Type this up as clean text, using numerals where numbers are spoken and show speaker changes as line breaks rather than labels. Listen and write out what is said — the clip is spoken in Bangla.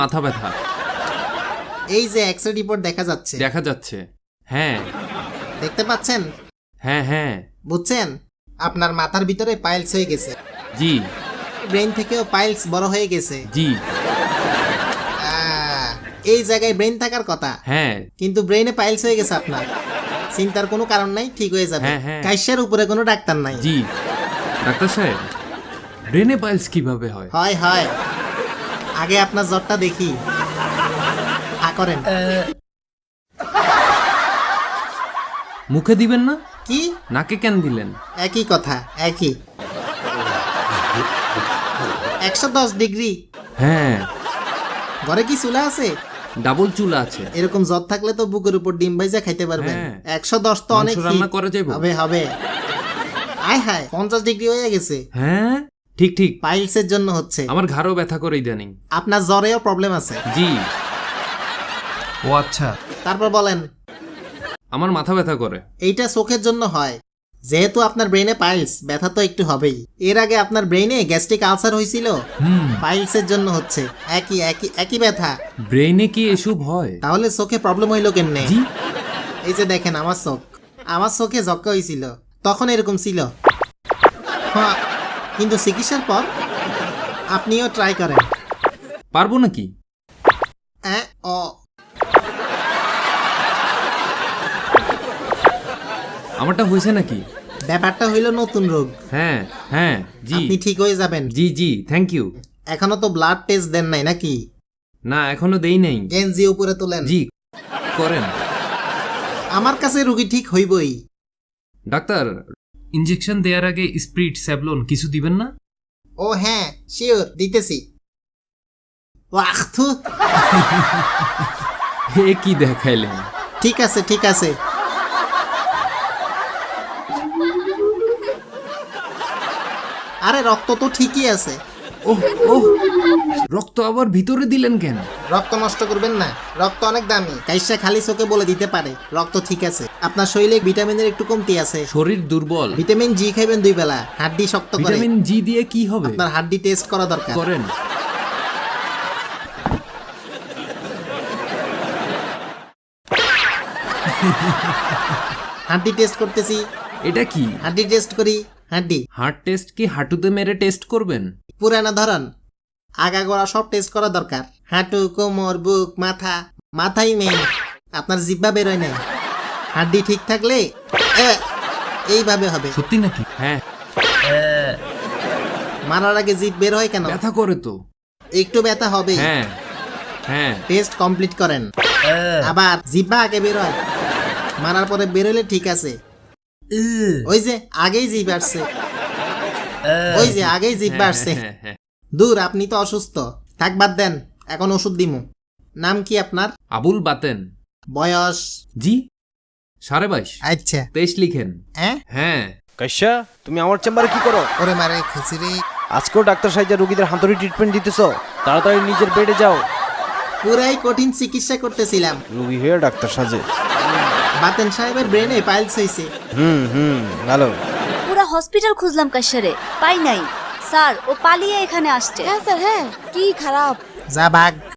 মাথা ব্যথা।
এই যে এক্স-রে রিপোর্ট দেখা যাচ্ছে।
দেখা যাচ্ছে। হ্যাঁ
দেখতে পাচ্ছেন?
হ্যাঁ হ্যাঁ।
বুঝছেন? আপনার মাথার ভিতরে পাইলস হয়ে গেছে।
জি
ব্রেন থেকেও পাইলস বড় হয়ে গেছে।
জি।
এই জায়গায় ব্রেন থাকার কথা,
হ্যাঁ
কিন্তু ব্রেনে পাইলস হয়ে গেছে আপনার। চিন্তার কোনো কারণ নাই, ঠিক হয়ে যাবে।
হ্যাঁ, হ্যাঁ।
কাইসের উপরে কোনো ডাক্তার নাই।
জি। ডাক্তার সাহেব, ব্রেনে পাইলস কিভাবে হয়?
হয় হয়, আগে আপনার জ্বরটা দেখি। হা করেন।
মুখে দিবেন না?
কি?
নাকে কেন দিলেন?
একই কথা, একই। 110 ডিগ্রি।
হ্যাঁ,
ঘরে কি চুলা আছে?
ডাবল চুলা আছে।
এরকম জ্বর থাকলে তো বুকের উপর ডিম ভাইজা খাইতে পারবেন।
হ্যাঁ।
110 তো অনেক
মাংস রান্না
heat।
করা যাবে?
হবে হবে। আয় হায়, 50 ডিগ্রি হয়ে গেছে।
হ্যাঁ ঠিক ঠিক।
পাইলসের জন্য হচ্ছে।
আমার ঘাড়ও ব্যথা করে ইদানিং।
আপনার জ্বরেও প্রবলেম আছে।
জি। ও আচ্ছা।
তারপর বলেন।
আমার মাথা ব্যথা করে।
এইটা চোখের জন্য হয়। যেহেতু আপনার ব্রেনে পাইলস, ব্যথা তো একটু হবেই। এর আগে আপনার ব্রেনে গ্যাস্ট্রিক আলসার হয়েছিল, পাইলসের জন্য হচ্ছে। একই একই একই ব্যথা।
ব্রেনে কি এসব হয়?
তাহলে চোখে প্রবলেম হইলো কেমনে?
জি।
এই যে দেখেন আমার চোখে যক্কা হয়েছিল, তখন এরকম ছিল। হ্যাঁ, কিন্তু চিকিৎসার পর আপনিও ট্রাই করেন।
পারবো নাকি?
ও
আমারটা হয়েছে নাকি?
ব্যাপারটা হইল নতুন রোগ।
হ্যাঁ হ্যাঁ জি।
আপনি ঠিক হয়ে যাবেন।
জি জি, থ্যাংক ইউ।
এখনো তো ব্লাড টেস্ট দেন নাই নাকি?
না, এখনো দেই নাই।
গেঞ্জি উপরে তোলেন।
জি করেন।
আমার কাছে রুগী ঠিক হইবই।
ডাক্তার, ইনজেকশন দেওয়ার আগে স্প্রিট স্যাভলন কিছু দিবেন না?
ও হ্যাঁ, শিওর, দিতেছি। ওয়াহ থু।
হে কি দেখাইলেন?
ঠিক আছে ঠিক আছে। আরে রক্ত তো ঠিকই আছে।
ওহ ওহ, রক্ত আবার ভিতরে দিলেন কেন?
রক্ত নষ্ট করবেন না, রক্ত অনেক দামি। কাইসা খালি চোখে বলে দিতে পারে রক্ত ঠিক আছে। আপনার শরীরে ভিটামিনের একটু কমতি আছে।
শরীর দুর্বল।
ভিটামিন জি খাইবেন 2 বেলা, হাড্ডি শক্ত করে।
ভিটামিন জি দিয়ে কি হবে?
আপনার হাড্ডি টেস্ট করা দরকার।
করেন।
হাড্ডি টেস্ট করতেছি।
এটা কি?
হাড্ডি টেস্ট করি। হাড্ডি
হার্ট টেস্ট কি হাঁটুতে মেরে টেস্ট করবেন?
পুরানা ধরন, আগাগোড়া সব টেস্ট করা দরকার। হাঁটু, কোমর, বুক, মাথা। মাথাই মেইন, আপনার জিহ্বা বেরোয় নাই। হাড্ডি ঠিক থাকলে এইভাবে হবে।
সত্যি নাকি? হ্যাঁ।
মারার আগে জিভ বের হয় কেন?
ব্যথা করে তো।
একটু ব্যথা হবে।
হ্যাঁ হ্যাঁ।
টেস্ট কমপ্লিট করেন। আবার জিহ্বা আগে বের হয়, মারার পরে বেরোলে ঠিক আছে। ওই যে আগেই জিভ আসছে, ওই যে আগেই জিভ আসছে।
হ্যাঁ, হ্যাঁ।
দূর, আপনি তো অসুস্থ। থাক, বাদ দেন, এখন ওষুধ দিমু। নাম কি আপনার?
আবুল বাতেন।
বয়স?
জি 22.5।
আচ্ছা।
23 লিখেন। হ্যাঁ।
কাইসা, তুমি আমার চেম্বারে কি করো?
ওরে মারে খিচুড়ি।
আজকেও ডাক্তার সাহেব রোগীদের হাতুড়ি ট্রিটমেন্ট দিতেছো? তাড়াতাড়ি নিজের বেডে যাও।
পুরাই কঠিন চিকিৎসা করতেছিলাম।
রোগী হয়ে ডাক্তার সাজে।
বাতেন সাহেবের ব্রেনে পাইলস হয়েছে।
ভালো।
পুরা হসপিটাল খুঁজলাম কাশারে, পাই নাই। স্যার, ও পালিয়ে এখানে আসছে।
হ্যাঁ স্যার, হ্যাঁ। কি খারাপ।
যা ভাগ।